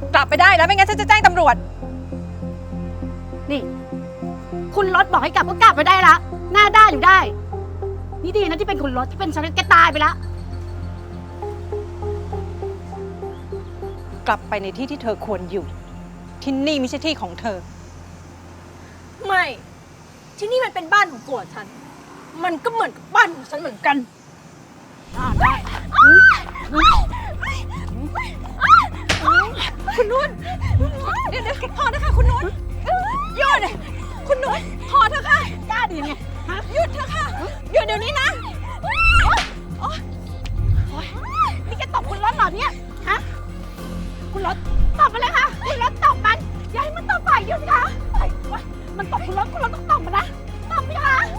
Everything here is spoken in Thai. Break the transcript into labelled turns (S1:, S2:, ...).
S1: กลับไปได้แล้วไม่งั้นฉันจะแจ้งตำรวจ
S2: นี่คุณรถบอกให้กลับก็กลับไปได้ละหน้าด้านอยู่ได้นี่ดีนะที่เป็นคุณรถที่เป็นฉันแกตายไปแล้ว
S1: กลับไปในที่ที่เธอควรอยู่ที่นี่ไม่ใช่ที่ของเธอ
S3: ไม่ที่นี่มันเป็นบ้านของผัวฉันมันก็เหมือนกับบ้านของฉันเหมือนกัน
S2: ได้
S1: คุณนุ่นเดี๋ยวพอนะคะคุณนุ่นหยุดคุณนุ่นพอเถอะค่ะ
S2: กล้าดีไง
S1: หยุดเถอะค่ะหยุดเดี๋ยวนี้นะ
S2: นี่แกตบคุณรถเหรอเนี่ยฮะคุณรถตบมาเลยค่ะคุณรถตบมันอย่าให้มันตบฝ่ายหยุดค่ะมันตบคุณรถต้องตบมันนะตบไหมคะ